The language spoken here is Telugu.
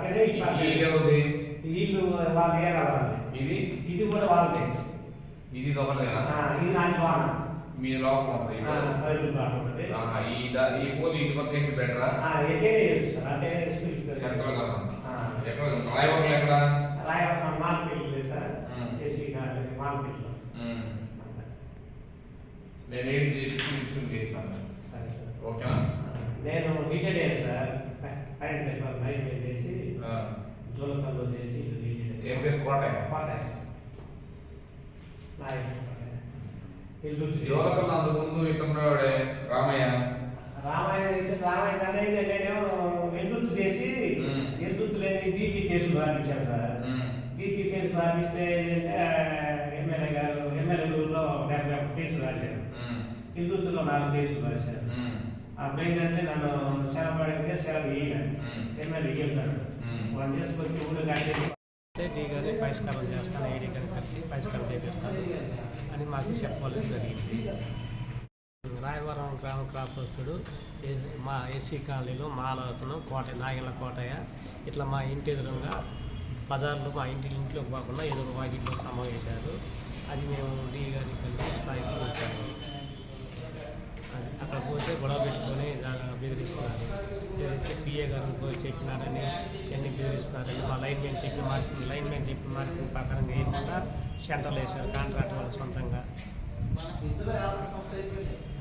పక్కనే ఇల్లు వాళ్ళే రావాలి. ఇది కూడా వాళ్ళదే. ఇది ఒకటేనా? ఇది నాది బాగా మీ లోపల ఉంటుంది. ఈ పోలు ఇంటి పక్క వేసి బెటరా? అంటే సెంట్రల్ గవర్నమెంట్ ఎక్కడ రాయవరం ఎక్కడ? Rayavaram market sir. AC market. నేను ఏంటి తీసుకుని చేస్తాను. సరే సార్. ఓకేనా? నేను రిటైర్డ్ అయ్యాను సార్. కరెంట్ లైన్ చేసి జోలకల్లో చేసి ఏం పేరు? కోటయ్య. జోలకల్లో అంతకుముందు ఇతరుడే రామయ్య అనేది నేనేమో ఎద్దుత్తు చేసి ఎద్దుత్తు లేని బీపీ కేసులు రాపించాను సార్. బీపీ కేసు రాపిస్తే ఎమ్మెల్యే గారు ఎమ్మెల్యేలో 71 కేసులు రాశారు. ఎద్దుత్తులో 4 కేసులు రాశారు. అప్పుడు ఏంటంటే నన్ను సెలవు అడిగితే సెలవు ఇయ్యాను. ఎమ్మెల్యే ఇయ్యాను. వాళ్ళు చేసుకొచ్చి ఊళ్ళో కట్టేసి టీ గారిని పరిష్కారం చేస్తాను, ఏడీ గారిని కలిసి పరిష్కారం చేపిస్తాను అని మాకు చెప్పవలసి జరిగింది. రాయవరం గ్రామ క్రాపస్తుడు మా ఎస్సీ కాలనీలో మాలవతను నాగల కోటయ్య ఇట్లా మా ఇంటి ఎదురుగా బజార్లో మా ఇంట్లోకి పోకుండా ఎదురు వాటిలో సమావేశారు. అది మేము డీ గారికి కలిసి స్థాయిలో వచ్చాము. అక్కడ పోతే గొడవ పెట్టుకొని బెదిరిస్తున్నారు. బెదిరించి పిఏ గారు చెప్పినారని ఎన్ని బెదిరిస్తున్నారని మా లైన్ మ్యాన్ చెప్పిన మార్కింగ్ ప్రకారం వేయకుండా సెంటర్లు వేశారు కాంట్రాక్ట్ వాళ్ళు సొంతంగా.